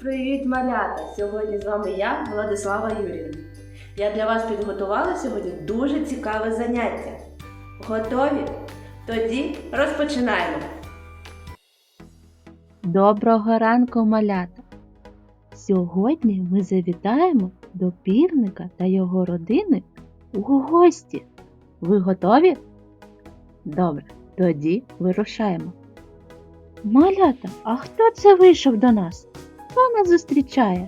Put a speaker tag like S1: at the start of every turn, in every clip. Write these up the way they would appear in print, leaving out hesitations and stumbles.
S1: Привіт, малята! Сьогодні з вами я, Владислава Юріївна. Я для вас підготувала сьогодні дуже цікаве заняття. Готові? Тоді розпочинаємо!
S2: Доброго ранку, малята! Сьогодні ми завітаємо до півника та його родини у гості. Ви готові? Добре, тоді вирушаємо. Малята, а хто це вийшов до нас? Хто нас зустрічає?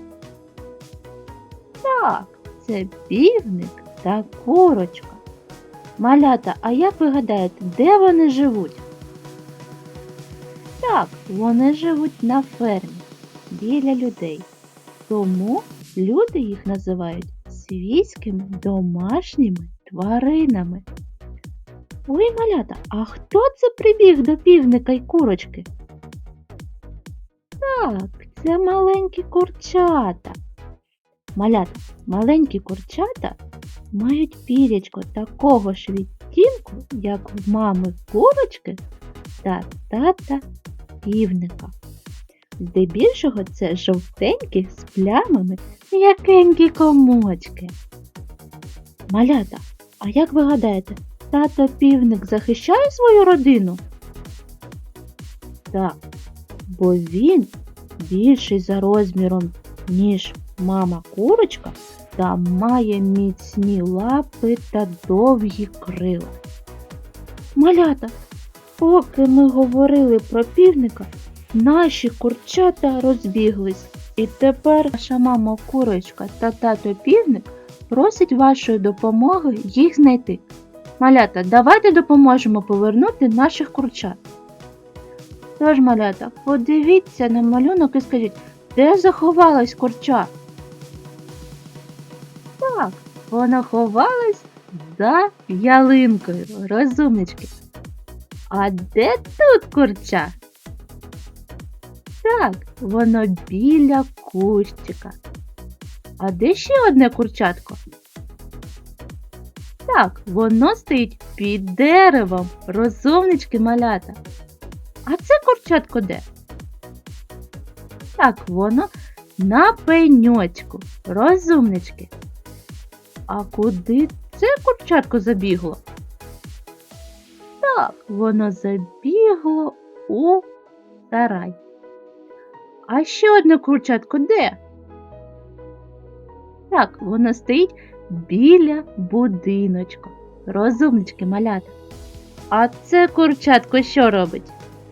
S2: Так, це півник та курочка. Малята, а як ви гадаєте, де вони живуть? Так, вони живуть на фермі, біля людей. Тому люди їх називають свійськими домашніми тваринами. Ой, малята, а хто це прибіг до півника й курочки? Так, це маленькі курчата. Малята, маленькі курчата мають пірячко такого ж відтінку, як в мами курочки та тата півника. Здебільшого це жовтенькі з плямами м'якенькі комочки. Малята, а як ви гадаєте, тато півник захищає свою родину? Так, бо він більший за розміром, ніж мама курочка, та має міцні лапи та довгі крила. Малята, поки ми говорили про півника, наші курчата розбіглись. І тепер наша мама курочка та тато півник просять вашої допомоги їх знайти. Малята, давайте допоможемо повернути наших курчат. Тож, малята, подивіться на малюнок і скажіть, де заховалась курча? Так, вона ховалась за ялинкою, розумнички. А де тут курча? Так, воно біля кущика. А де ще одне курчатко? Так, воно стоїть під деревом, розумнички, малята. А це курчатко де? Так, воно на пеньочку, розумнички. А куди це курчатко забігло? Так, воно забігло у сарай. А ще одне курчатко де? Так, воно стоїть біля будиночку. Розумнички, малята. А це курчатко що робить?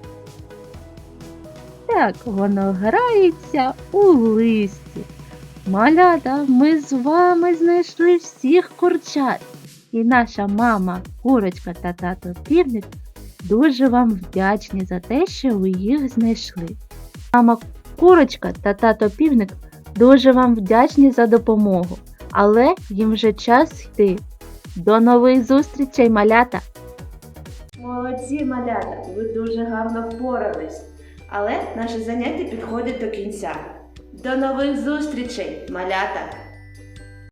S2: Так, воно грається у листі. Малята, ми з вами знайшли всіх курчат. І наша мама, курочка та тато півник дуже вам вдячні за те, що ви їх знайшли. Мама курочка та тато півник дуже вам вдячні за допомогу, але їм вже час йти. До нових зустрічей, малята!
S1: Молодці, малята! Ви дуже гарно впорались. Але наше заняття підходить до кінця. До нових зустрічей, малята!